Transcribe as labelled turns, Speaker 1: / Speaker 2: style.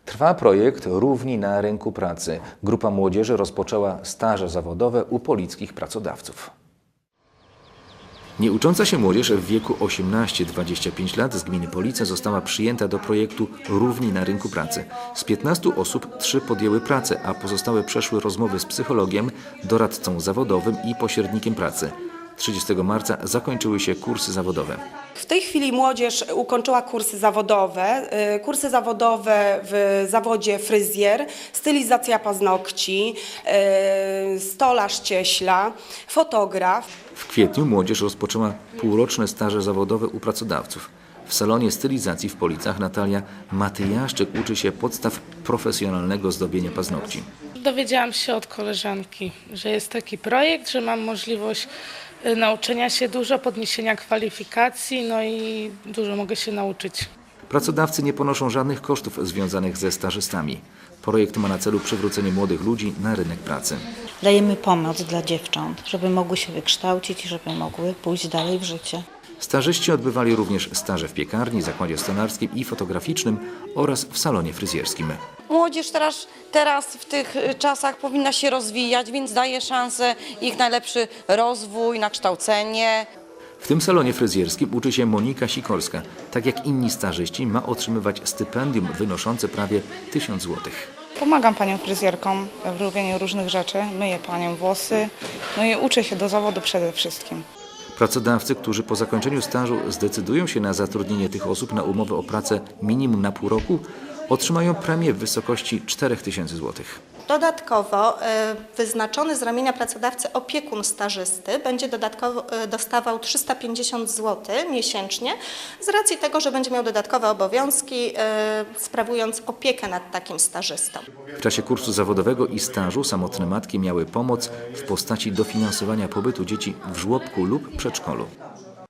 Speaker 1: Trwa projekt Równi na rynku pracy. Grupa młodzieży rozpoczęła staże zawodowe u polickich pracodawców. Nieucząca się młodzież w wieku 18-25 lat z gminy Police została przyjęta do projektu Równi na rynku pracy. Z 15 osób 3 podjęły pracę, a pozostałe przeszły rozmowy z psychologiem, doradcą zawodowym i pośrednikiem pracy. 30 marca zakończyły się kursy zawodowe.
Speaker 2: W tej chwili młodzież ukończyła kursy zawodowe. Kursy zawodowe w zawodzie fryzjer, stylizacja paznokci, stolarz cieśla, fotograf.
Speaker 1: W kwietniu młodzież rozpoczęła półroczne staże zawodowe u pracodawców. W salonie stylizacji w Policach Natalia Matyjaszczyk uczy się podstaw profesjonalnego zdobienia paznokci.
Speaker 3: Dowiedziałam się od koleżanki, że jest taki projekt, że mam możliwość nauczenia się dużo, podniesienia kwalifikacji, no i dużo mogę się nauczyć.
Speaker 1: Pracodawcy nie ponoszą żadnych kosztów związanych ze stażystami. Projekt ma na celu przywrócenie młodych ludzi na rynek pracy.
Speaker 4: Dajemy pomoc dla dziewcząt, żeby mogły się wykształcić i żeby mogły pójść dalej w życie.
Speaker 1: Stażyści odbywali również staże w piekarni, zakładzie stonarskim i fotograficznym oraz w salonie fryzjerskim.
Speaker 5: Młodzież teraz w tych czasach powinna się rozwijać, więc daje szansę ich najlepszy rozwój, na kształcenie.
Speaker 1: W tym salonie fryzjerskim uczy się Monika Sikorska. Tak jak inni stażyści ma otrzymywać stypendium wynoszące prawie 1000 zł.
Speaker 6: Pomagam paniom fryzjerkom w robieniu różnych rzeczy, myję paniom włosy, no i uczę się do zawodu przede wszystkim.
Speaker 1: Pracodawcy, którzy po zakończeniu stażu zdecydują się na zatrudnienie tych osób na umowę o pracę minimum na pół roku, otrzymają premię w wysokości 4000 zł.
Speaker 7: Dodatkowo wyznaczony z ramienia pracodawcy opiekun stażysty będzie dodatkowo dostawał 350 zł miesięcznie z racji tego, że będzie miał dodatkowe obowiązki, sprawując opiekę nad takim stażystą.
Speaker 1: W czasie kursu zawodowego i stażu samotne matki miały pomoc w postaci dofinansowania pobytu dzieci w żłobku lub przedszkolu.